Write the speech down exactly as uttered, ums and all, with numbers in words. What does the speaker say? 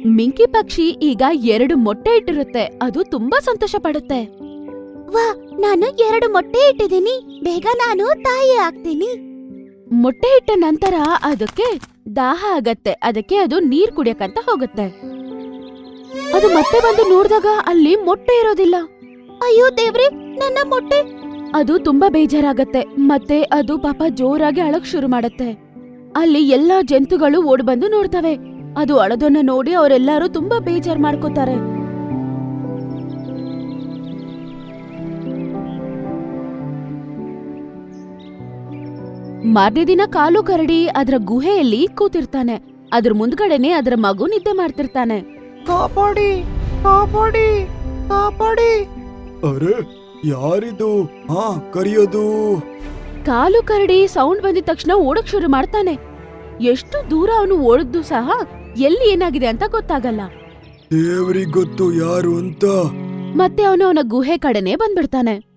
ಮಿಂಕಿ ಪಕ್ಷಿ ಈಗ ಎರಡು ಮೊಟ್ಟೆ ಇಟ್ಟಿರುತ್ತೆ. ಅದು ತುಂಬಾ ಸಂತೋಷ ಪಡುತ್ತೆ. ವಾ, ನಾನು ಎರಡು ಮೊಟ್ಟೆ ಇಟ್ಟಿದ್ದೀನಿ. ಬೇಗ ನಾನು ತಾಯಿ ಆಗ್ತೀನಿ. ಮೊಟ್ಟೆ ಇಟ್ಟ ನಂತರ ಅದಕ್ಕೆ ದಾಹ ಆಗತ್ತೆ. ಅದಕ್ಕೆ ಅದು ನೀರ್ ಕುಡಿಯಕಂತ ಹೋಗುತ್ತೆ. ಅದು ಮತ್ತೆ ಬಂದು ನೋಡಿದಾಗ ಅಲ್ಲಿ ಮೊಟ್ಟೆ ಇರೋದಿಲ್ಲ. ಅಯ್ಯೋ ದೇವ್ರೆ, ನನ್ನ ಮೊಟ್ಟೆ! ಅದು ತುಂಬಾ ಬೇಜಾರಾಗತ್ತೆ. ಮತ್ತೆ ಅದು ಪಾಪ ಜೋರಾಗಿ ಅಳಕ್ ಶುರು ಮಾಡತ್ತೆ. ಅಲ್ಲಿ ಎಲ್ಲಾ ಜಂತುಗಳು ಓಡ್ ಬಂದು ನೋಡ್ತವೆ. ಅದು ಅಳದನ್ನ ನೋಡಿ ಅವರೆಲ್ಲರೂ ತುಂಬಾ ಬೇಜಾರ್ ಮಾಡ್ಕೋತಾರೆ. ಮಾರನೇ ದಿನ ಕಾಲು ಕರಡಿ ಅದರ ಗುಹೆಯಲ್ಲಿ ಕೂತಿರ್ತಾನೆ. ಅದ್ರ ಮುಂದ್ಗಡೆನೆ ಅದರ ಮಗು ನಿದ್ದೆ ಮಾಡ್ತಿರ್ತಾನೆ. ಕಾಪಾಡಿ, ಕಾಪಾಡಿ, ಕಾಪಾಡಿ! ಅರೆ, ಯಾರಿದು? ಹಾ, ಕರಿಯೋದು. ಕಾಲು ಕರಡಿ ಸೌಂಡ್ ಬಂದಿದ ತಕ್ಷಣ ಓಡಕ್ ಶುರು ಮಾಡ್ತಾನೆ. ಎಷ್ಟು ದೂರ ಅವನು ಓಡಿದ್ದು ಸಹ ಎಲ್ಲಿ ಏನಾಗಿದೆ ಅಂತ ಗೊತ್ತಾಗಲ್ಲ. ದೇವ್ರಿಗ್ ಗೊತ್ತು ಯಾರು ಅಂತ. ಮತ್ತೆ ಅವನು ಅವನ ಗುಹೆ ಕಡೆನೆ ಬಂದ್ಬಿಡ್ತಾನೆ.